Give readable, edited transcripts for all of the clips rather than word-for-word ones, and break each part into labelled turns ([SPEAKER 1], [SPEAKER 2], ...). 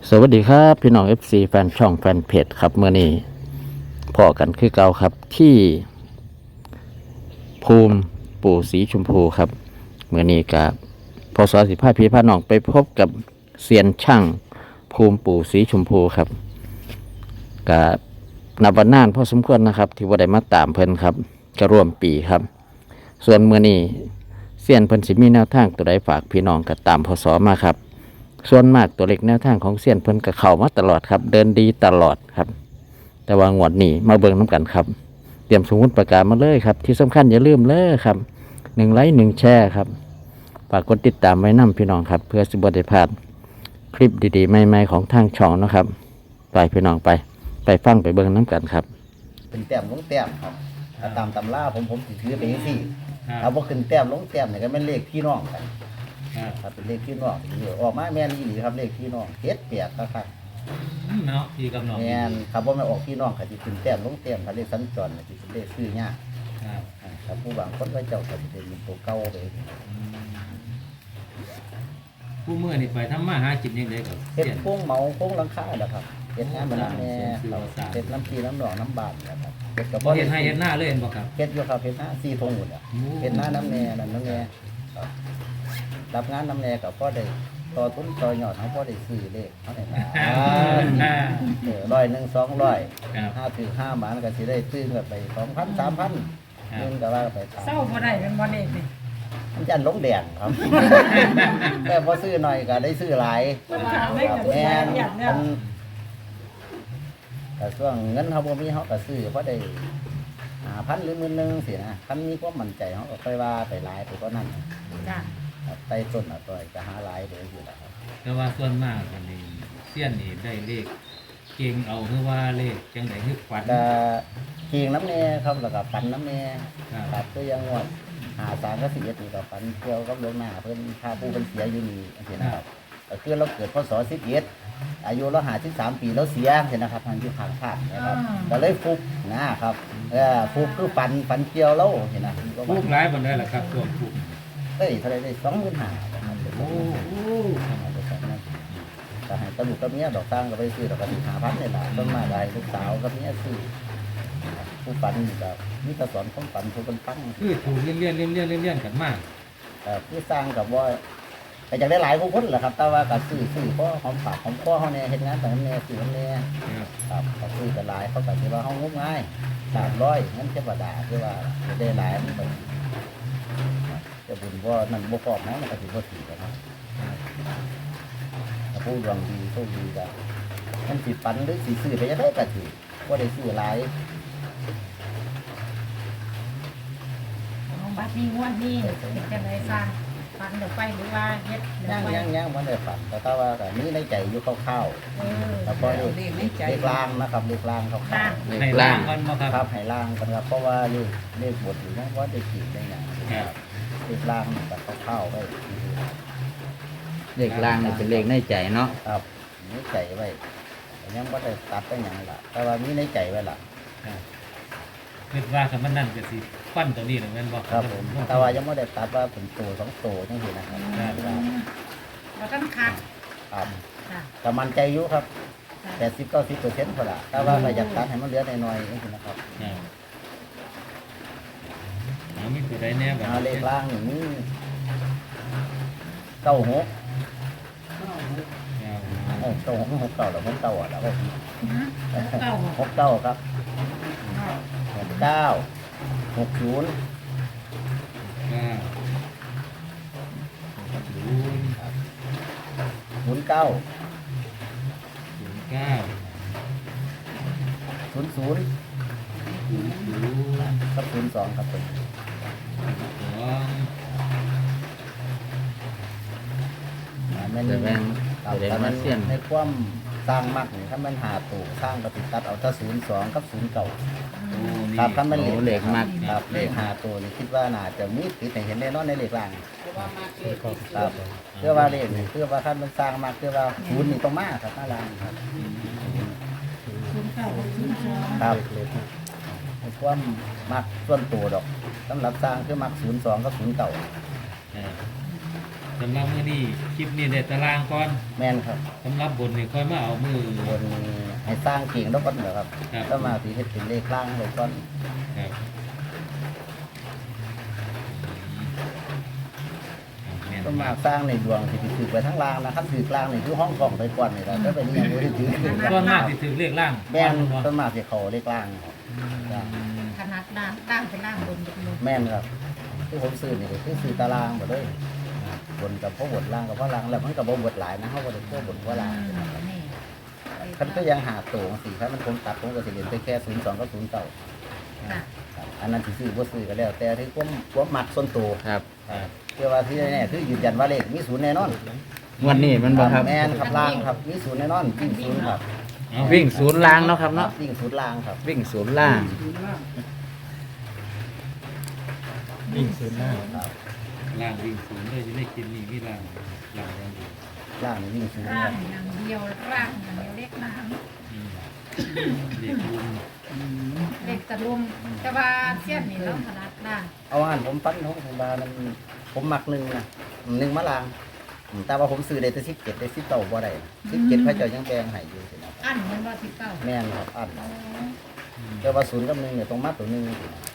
[SPEAKER 1] สวัสดีครับพี่น้อง FC แฟนช่องแฟนเพจครับเมื่อนี้พอกันคือเก่าครับที่ภูมิปู่สีชมพูครับเมื่อนี้กับพศ15พี่พาน้องไปพบกับเซียนช่างภูมิปู่สีชมพูครับกับนับวันนานพอสมควรนะครับที่ว่าได้มาตามเพิ่นครับก็ร่วมปีครับส่วนเมื่อนี้เซียนเพิ่นสิมีแนวทางตัวใดฝากพี่น้องก็ตามพศมาครับส่วนมากตัวเล็กแนวทางของเซียนเพิ่นก็เข้ามาตลอดครับเดินดีตลอดครับแต่ว่างวดนี้มาเบิ่งน้ำกันครับเตรียมสมุดประกาศมาเลยครับที่สำคัญอย่าลืมเลยครับ1 ไลค์ 1 แชร์ครับฝากกดติดตามไว้นำพี่น้องครับเพื่อสิบ่ได้พลาดคลิปดีๆใหม่ๆของทางช่องนะครับไปพี่น้องไปฟังไปเบิ่งน้ำกันครับ
[SPEAKER 2] ขึ้นแต้มลงแต้มครับถ้าตามตำราผมสิถือไปสี่
[SPEAKER 3] ครับ
[SPEAKER 2] ถ้าบ่ขึ้นแต้มลงแต้มเนี่ยก็แม่นเลขพี่น้องกัน
[SPEAKER 3] ครับ
[SPEAKER 2] ถ้าเป็นเลขพี่น้องสิออกมาแม่นอีหลีครับเลขพี่น้องเจ็ดแปดนะครับ
[SPEAKER 3] เนาะพี่กับน้อง
[SPEAKER 2] แม่นครับบ่แม่นออกพี่น้องก็สิขึ้นแต้มลงแต้มถ้าเลขสัญจรน่ะสิเป็นเลขซื้อยาก
[SPEAKER 3] ครับ
[SPEAKER 2] ครับผู้บางคนก็เจ้าก็สิเป็นตัวเก่าไป
[SPEAKER 3] ผู้เมื่อนี่ไปทำมาหากินยังไงกับ
[SPEAKER 2] เฮ็ด
[SPEAKER 3] เสียน
[SPEAKER 2] โค้งเหมาโค้งหลังคาน่ะครับเฮ็ดงานบ้านแม่
[SPEAKER 3] เสียน
[SPEAKER 2] ครับเฮ็ดน้ำพีน้ำหนองน้ำบาดนะครับเฮ็ดกับ
[SPEAKER 3] บ่เห็นให้เห็นหน้าเลยเห็นบ่ครับ
[SPEAKER 2] เฮ็ดอยู่ครับเฮ็ดหน้า4ทงหมดอ่ะ เห็นหน้าน้ำแน่นั่นน้ำแน่ครับรับงานน้ำแน่กับพ่อได้ต่อทุนต่อยอดของพ่อได้ซื้อเลขเขาได้มา100 200
[SPEAKER 3] ครับ
[SPEAKER 2] 5 บาทก็สิได้ซื้อกันไป2,000 3,000เงินก็ว่าไปตาม
[SPEAKER 4] เศร้าบ่ได้เป็นบ่เด็กนี่
[SPEAKER 2] มันยันลงแดงครับ แต่พอซื้อหน่อยก็ได้ซื้อหลาย
[SPEAKER 4] มันถามได้
[SPEAKER 2] ครับ
[SPEAKER 4] กับ
[SPEAKER 2] แม่น
[SPEAKER 4] อย่างเนี่ย
[SPEAKER 2] มันแต่ช่วงเงินเขาบ่มีเขาก็ซื้อเพราะได้5,000 หรือ10,000สินะคันมีความมั่นใจเขาก็ค่อยว่าไปหลายไปก็นั่น
[SPEAKER 4] จ้ะ
[SPEAKER 2] ครับไต่ต้นต่อยจะหาหลายเดี๋ยวอยู่แล้วครับ
[SPEAKER 3] แต่ว่าส่วนมากอันนี้เสี้ยนนี่ได้เลขเก่งเอาคือว่าเลขจังได๋คือฝัน
[SPEAKER 2] ก็เคียงน้ำแน่ครับแล้วก็ปันน้ำแน่
[SPEAKER 3] ครับ
[SPEAKER 2] ครับก็ยังงวด53ก็41นี่ก็ปันเกี่ยวกับหลวงหน้าเพิ่นพาผู้เพิ่นเสียอยู่นี่จังซี่นะครับก็คือเราเกิดพศ11อายุเรา53 ปีแล้วเสียจังซี่นะครับทางอยู่ข้างภาคนะครับก็เลยฟุกนะครับฟุกคือปันเกี่ยวแล้วเห็นนะ
[SPEAKER 3] ผู้ร้ายบ่ได้ล่ะครับช่วงผู้
[SPEAKER 2] เฮ้ยเท่าไหร่ได้25,000นะครับ
[SPEAKER 3] โอ้โห
[SPEAKER 2] ก็ให้ตะลุกกับเมียดอกตั้งก็ไปซื้อดอกกระดิ่ง5,000นี่ล่ะต้นมาได้ลูกสาวกับเมียซื้อผู้ปันนี่ก็มีแต่สอนของปันผู้เป็นฟัง
[SPEAKER 3] คือถูกเลี่ยนกันมาก
[SPEAKER 2] ผู้สร้างกับว่าแต่อยากได้หลายผู้คนแหละครับ แต่ว่าก็ซื้อเพราะหอมปากหอมคอเขาเนี่ยเฮ็ดงานแต่น้ำเนี่ยซื้อน้ำเนี่ย
[SPEAKER 3] ครับ
[SPEAKER 2] ครับเขาซื้อกันหลายเขาก็คิดว่าเขางมง่าย300งั้นเทวดาคือว่าจะได้หลายมันก็จะบุญว่านั่นบ่พอนะมันก็สิบ่ถือกันนะถ้าผู้ดวงดีโชคดีก็มันสิปันหรือสิซื้อไปจะได้ก็ถือบ่ได้ซื้อหลาย
[SPEAKER 4] ของบัดนี้งวดนี้เป็นจังได๋สร้างฟันเดี๋ยวไปหรือว่าเฮ็ดเดี๋ยวไป
[SPEAKER 2] ยังมันได้ฝันแต่ถ้าว่าก็มีในใจอยู่คร่าวๆ
[SPEAKER 4] เออ
[SPEAKER 2] แล้วก็เลขล่างนะครับเลขล่างคร่าวๆ
[SPEAKER 3] ให้ล่างก่อนบ่ครับ
[SPEAKER 2] ครับให้ล่างกันครับเพราะว่าเลขบทอยู่นะว่าได้ขีดได้ไง
[SPEAKER 3] ครับ
[SPEAKER 2] เลขล่างมันก็เข้าๆไว้
[SPEAKER 1] เลขล่างนี่เป็นเลขในใจเนาะ
[SPEAKER 2] ครับมีใจไว้แต่ยังไม่ได้ตัดไปอย่างละแต่ว่ามีในใจไว้ละ
[SPEAKER 3] คิดว่าคันมันนั่นก็สิฟันตัวนี้แหละแม่นบ่
[SPEAKER 2] ครับผมแต่ว่ายังไม่ได้ตัดว่าเป็นตัว2 ตัวจังซี่นะครับ
[SPEAKER 4] แล้วก็คัก
[SPEAKER 2] ครับ
[SPEAKER 4] จ้ะ
[SPEAKER 2] แต่มันใจอยู่ครับ
[SPEAKER 4] จ้ะ
[SPEAKER 2] 80-90%พอละแต่ว่าก็อยากตัดให้มันเหลือน้อยๆจังซี่นะครับ
[SPEAKER 3] ครับเอามีตัวใดแน่บัด
[SPEAKER 2] เอาเลขล่างนี่มี96
[SPEAKER 3] ครับ
[SPEAKER 2] 96 69แล้วผมเก่าอ่ะแล้ว
[SPEAKER 4] เก้า
[SPEAKER 2] 69ครับ69 60
[SPEAKER 3] ศูนย์
[SPEAKER 2] 09
[SPEAKER 3] ศูนย์เก้า
[SPEAKER 2] 00
[SPEAKER 3] ศูนย์ศูนย์
[SPEAKER 2] กับ02ครับผม
[SPEAKER 3] สอง
[SPEAKER 2] แม่น
[SPEAKER 1] แต่แม่ง
[SPEAKER 2] ครับ
[SPEAKER 1] แสดง
[SPEAKER 2] แต่
[SPEAKER 1] ว่า
[SPEAKER 2] มัน
[SPEAKER 1] เซียน
[SPEAKER 2] ในความสร้างมักนี่ถ้ามันหาตัวสร้างก็ติดตัดเอาถ้า02กับ09
[SPEAKER 3] โอ้นี่
[SPEAKER 2] ครับถ้ามัน
[SPEAKER 1] โอ้เลขมาก
[SPEAKER 2] ครับเลขหาตัวนี่คิดว่าน่าจะมีติดให้เห็นแน่นอนในเลขล่างครับเพื่อว่าเลขนี่เพื่อว่าถ้ามันสร้างมากเพื่อว่าศูนย์นี่ต้องมาครับหน้าล่างครับ
[SPEAKER 4] 09
[SPEAKER 2] ครับในความมักส่วนตัวดอกสำหรับสร้างคือมัก02กับ09
[SPEAKER 3] เออสำหรับมื้อนี้คลิปนี้ได้ตารางก่อน
[SPEAKER 2] แม่นครับ
[SPEAKER 3] สำหรับบนนี่ค่อยมาเอามือบ
[SPEAKER 2] นให้สร้างเก่งแล้วก็เหรอครับ
[SPEAKER 3] ครับ
[SPEAKER 2] ก็มาสิเฮ็ดเป็นเลขล่างเลยก่อน
[SPEAKER 3] ครับแม่น
[SPEAKER 2] ก็มาสร้างในดวงที่ถือไปทั้งล่างนะครับถือกลางนี่คือห้องกล่องไปก่อนนี่แหละก็เป็นอย่างนี้ถือ
[SPEAKER 3] ส่วนมากสิถือเลขล่าง
[SPEAKER 2] แม่น
[SPEAKER 3] บ่
[SPEAKER 2] ต้นมาสิเขาเลขล่างครับ
[SPEAKER 4] ขนาดด่างเป็นล่างบนบน
[SPEAKER 2] แม่นครับที่ผมซื้อนี่ก็คือซื้อตารางหมดเลยบนกับพ่อบทล่างกับพ่อล่างแล้วมันกับบ่บทหลายนะเขาบทพ่อบทว่าล่าง
[SPEAKER 4] นี่
[SPEAKER 2] คันก็ยังหาตัวสิครับมันผมตัดผมก็สิเรียนไปแค่02กับ09
[SPEAKER 4] ค่ะ
[SPEAKER 2] อันนั้นสิซื้อบ่ซื้อก็แล้วแต่ที่ความมักส่วนตัว
[SPEAKER 1] ครับ
[SPEAKER 2] เชื่อว่าที่แน่ๆคือยืนยันว่าเลขมีศูนย์แน่นอน
[SPEAKER 1] งวันนี้มันบ่ครับ
[SPEAKER 2] แม่นครับล่างครับมีศูนย์แน่นอนวิ่งศูนย์ครับ
[SPEAKER 3] เอา
[SPEAKER 1] วิ่งศูนย์ล่างเนาะครับเนาะ
[SPEAKER 2] วิ่งศูนย์ล่างครับ
[SPEAKER 1] วิ่งศูนย์ล่าง
[SPEAKER 3] วิ่งศูนย์ล่าง
[SPEAKER 2] ครับ
[SPEAKER 3] ล่างวิ่งศูนย์เลยจะได้กินนี่มีล่างล่างอย่างเดียว
[SPEAKER 2] ล่างนี่วิ่งศูนย์
[SPEAKER 4] ร่า
[SPEAKER 2] ค
[SPEAKER 4] ง
[SPEAKER 2] รับ
[SPEAKER 4] อย่างเดียวร่างอย่างเดียวเล็กน้
[SPEAKER 3] อืมเด็กรุม
[SPEAKER 4] ำเล็กตะลุมแต่ว่าเสี้ยนนี่เราขนาดด่าง
[SPEAKER 2] เอาอันผมปั้นของผมบามันผมมักหนึ่งนะหนึ่งมะลางแต่ว่าผมซื้อได้แต่17ได้10เต่าบ่ได้17พระเจ้ายังแบ่งให้อยู่สินะครับ
[SPEAKER 4] อันมันว่าที่เก้า
[SPEAKER 2] แม่นครับอัน
[SPEAKER 4] อ๋อ
[SPEAKER 2] แต่ว่าศูนย์กับหนึ่งเนี่ยต้องมาตัวหนึ่งสินะ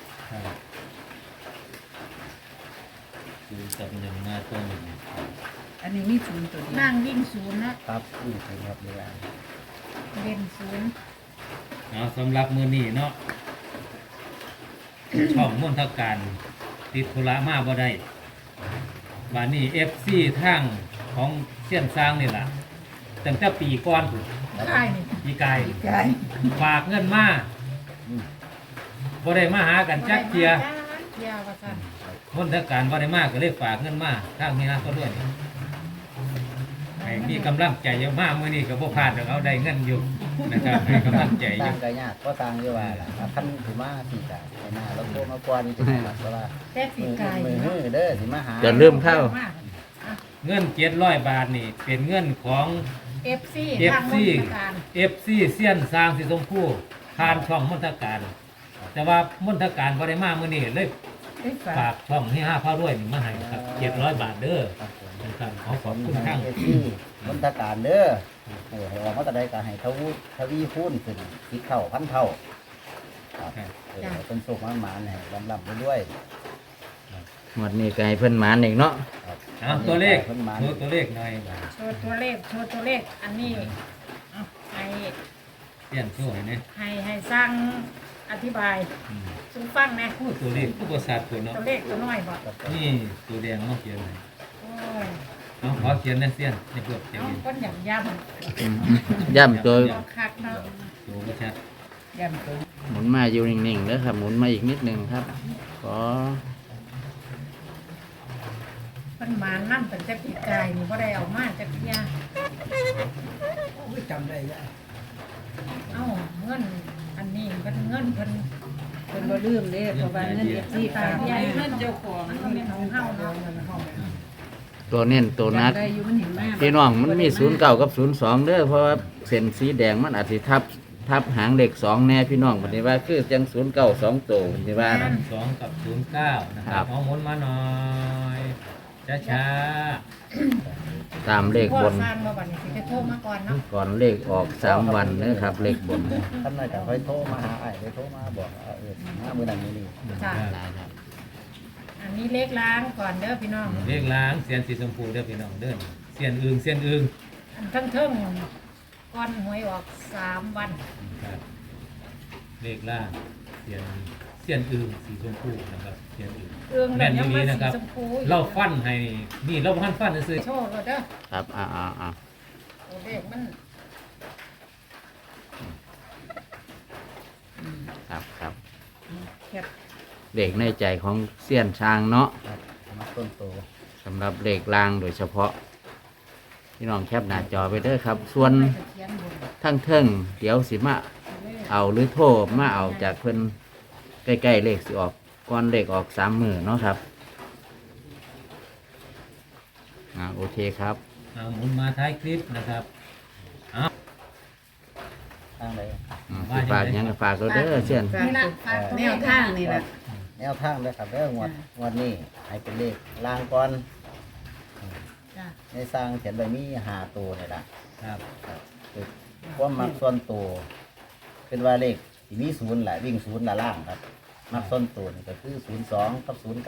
[SPEAKER 3] คือกับหนึ่งมาตัวหนึ่ง
[SPEAKER 5] อันนี้มีศูนย์ตัวเดียว
[SPEAKER 4] นั่งวิ่งศูนย์นะครับ
[SPEAKER 2] วิ่งศูนย์ครับเวลา
[SPEAKER 4] เล่นศูนย์
[SPEAKER 3] เอาสำหรับมือนี้เนาะ ช่องมนทการติดธุระมาบ่ได้บานนี้ FC ทางของเสี้ยนซางนี่ล่ะตั้งแต่ปีก่อนพุ่น
[SPEAKER 4] ใช่นี่
[SPEAKER 3] ปีกาย
[SPEAKER 5] กาย
[SPEAKER 3] ฝากเงินมาบ่ได้มาหากันจักเทีย
[SPEAKER 4] เทียว่าสั่น
[SPEAKER 3] มนทการบ่ได้มาก็เลยฝากเงินมาทางนี้นะก็ด้วยนี่ให้มีกำลังใจเยอะมากมื้อนี้ก็บ่พลาดดอกเอาได้เงินอยู่นะครับให้กำลังใจอ
[SPEAKER 2] ต่า
[SPEAKER 3] ยู่
[SPEAKER 2] งกันยากก็ต่างอยู่ว่าล่ะคันถือมาสี่กาไอ้หน้าแล้วโทรมาก่อนจะได้รับว่า
[SPEAKER 4] แต่สีกาย
[SPEAKER 2] มือมือเด้อสิมาหา
[SPEAKER 1] อย่าลืมเข้า
[SPEAKER 3] เงิน700 บาทนี่เป็นเงินของ
[SPEAKER 4] เอฟซีทาง
[SPEAKER 3] FC
[SPEAKER 4] มนตการ
[SPEAKER 3] FC เสี้ยนสร้างสิสมผู้ผ่านช่องมนทการ แต่ว่ามนทการบ่ได้มามื้อนี้เลย
[SPEAKER 5] ได้ฝา
[SPEAKER 3] ฝาก กช่องให้5พารวยนี่มาให้ครับ700 บาทเด้อ
[SPEAKER 2] ครับผม
[SPEAKER 3] นะครับขอขอบคุณทาง
[SPEAKER 2] เอที่มนตการเด้อให้ออกมาแต่ใดก็ให้ทวีคูณขึ้น10เท่าพันเท่าครับเป็นสุขมากๆให้ลำๆด้วย
[SPEAKER 1] งวันนี้ก็ให้เพิ่นหมานอีกเนาะ
[SPEAKER 2] ครับ
[SPEAKER 3] เอาตัวเลข
[SPEAKER 2] เพิ่นมา
[SPEAKER 3] โชว์ตัวเลขหน่อยบาท
[SPEAKER 4] โชว์ตัวเลขโชว์ตัวเลขอันนี้เอาให้
[SPEAKER 3] เสี้ยนช่วยนะ
[SPEAKER 4] ให้สร้างอธิบาย
[SPEAKER 3] อืม
[SPEAKER 4] สูฟังนะ
[SPEAKER 3] โอ้ตัวเลขผู้ประสาทตัวเนาะ
[SPEAKER 4] ตัวเลขตัวน้อยบอก
[SPEAKER 3] นี่ตัวแดงมาเขียนเลย
[SPEAKER 4] โอ้ย
[SPEAKER 3] เอาขอเขียนนะเสี้ยนในเพื่อจะ
[SPEAKER 4] น้อง
[SPEAKER 3] เห็น
[SPEAKER 4] ก้นหย่ำย่
[SPEAKER 1] ย่ำตัว
[SPEAKER 4] ำเอาคักเนาะ
[SPEAKER 3] ตัวก็ชัด
[SPEAKER 5] ย่ำตัว
[SPEAKER 1] หมุนมาอยู่นิ่งๆเด้อครับ หมุนมาอีกนิดหนึงครับ ขอ
[SPEAKER 4] มันมานั่นเป็นจะปีกายนี่บ่ได้เอามาจะเพีย
[SPEAKER 5] จำได้ยะ
[SPEAKER 4] เอ้าเงินอันนี้เป็นเงินเพิ่น
[SPEAKER 5] เป็นบ่ลืมเด้เพราะว่าเงินเอฟซีฝากมา
[SPEAKER 4] เงินเจ้าของมันก็เป็นของเฮาเนาะ
[SPEAKER 1] ตัวเน้นตัวนัก
[SPEAKER 5] จำได้อยู่มันเห็นมาก
[SPEAKER 1] พี่น้องมันมี09กับ02เด้อเพราะว่าเส้นสีแดงมันอาจสิทับหางเลข2แน่พี่น้องปฏิว่าคือจัง09 2ตัวปฏิว่านะ
[SPEAKER 3] 2กับ09นะค
[SPEAKER 1] ครั
[SPEAKER 3] รับบ เอาหมุนมาหน่อยช้า
[SPEAKER 1] ตามเลข
[SPEAKER 4] พ่อบ
[SPEAKER 1] น
[SPEAKER 4] สร้างมาบัดนี้สิไปโทรมาก่อนเนาะ
[SPEAKER 1] ก่อนเลขออก3วันเด้อครับ เลขบน
[SPEAKER 2] ท่านนายก็ค่อยโทรมาหาไอ้ไปโทรมาบอกมามื้อนั้นมื้อนี้
[SPEAKER 4] จ้ะอันนี้เลขล้างก่อนเด้อพี่น้อง
[SPEAKER 3] เลขล้างเสียนสีชมพูเด้อพี่น้องเด้อเสียนอึงเสียนอึง
[SPEAKER 4] อันเทิงๆก่อนหวยออก3วัน
[SPEAKER 3] ครับเลขล่างเสียนอึงสีชมพูนะครับเสียนอึง
[SPEAKER 4] เอื้อง
[SPEAKER 3] แม่น
[SPEAKER 4] ยัง
[SPEAKER 3] ดี
[SPEAKER 4] มา
[SPEAKER 3] นะ
[SPEAKER 4] สี
[SPEAKER 3] ครับ
[SPEAKER 4] ชมพู
[SPEAKER 3] เราฟันให้นี่เราพันฟันซื้อ
[SPEAKER 4] โชว์เราเด้อ
[SPEAKER 1] ครับ
[SPEAKER 4] โอ้เลขมัน
[SPEAKER 1] ครับ
[SPEAKER 5] แคบ
[SPEAKER 1] เลขในใจของเสี้ยนช้างเนาะ
[SPEAKER 2] ครับมาต้นโต
[SPEAKER 1] สำหรับเลขล่างโดยเฉพาะ พี่น้องแคปหน้าจอไปเด้อครับ ส่วน
[SPEAKER 4] ไปเขียนบน
[SPEAKER 1] ทั้งเทิงเดี๋ยวสิมาเอาหรือโทรมาเอาจากเพิ่นใกล้ๆเลขสิออกก่อนเลขออก3 มื้อเนาะครับโอเคครับ
[SPEAKER 3] เอาหมุนมาท้ายคลิปนะครับ
[SPEAKER 2] ทางใด
[SPEAKER 1] สิฝากหยังก็ฝากเราเด้อเสี้ยน
[SPEAKER 5] ฝาก
[SPEAKER 4] นี่ละฝากตัว
[SPEAKER 5] แน
[SPEAKER 4] เล
[SPEAKER 5] ว
[SPEAKER 4] ข
[SPEAKER 5] ทางนี่แหละ
[SPEAKER 2] แนวทางเลยครับเด้องวดนี้ให้เป็นเลขล่างก่อน
[SPEAKER 4] จ้ะ
[SPEAKER 2] ในสร้างเขียนไว้มี5ตัวนี่ล่ะ
[SPEAKER 3] ครับ
[SPEAKER 2] ครับคือความมักส่วนตัวเป็นว่าเลขที่มี0แหละวิ่ง0ละล่างครับมักส่วนตัวนี่ก็คือ02กับ09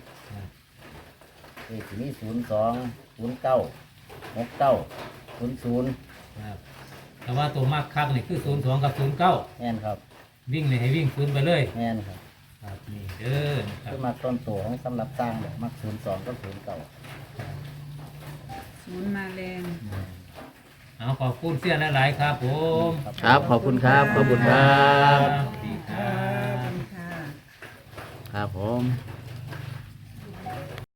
[SPEAKER 2] เลขที่มี02 09 69 00
[SPEAKER 3] ครับแต่ว่าตัวมากคักนี่คือ02กับ09
[SPEAKER 2] แม่นครับ
[SPEAKER 3] วิ่งนี่ให้วิ่ง0ไปเลย
[SPEAKER 2] แม่นครับ
[SPEAKER 3] ครับนี่เด้อนะครับ
[SPEAKER 2] คือมักส่วนตัวของสำหรับสร้างเนี่ยมัก02กับ09
[SPEAKER 5] ศูนย์มาแรง
[SPEAKER 3] เอาขอบคุณเสี้ยนหลายๆครับผม
[SPEAKER 1] ครับขอบคุณครับขอบคุณครับ
[SPEAKER 3] สวัสดีครับ
[SPEAKER 5] ค่ะ
[SPEAKER 1] ครับผม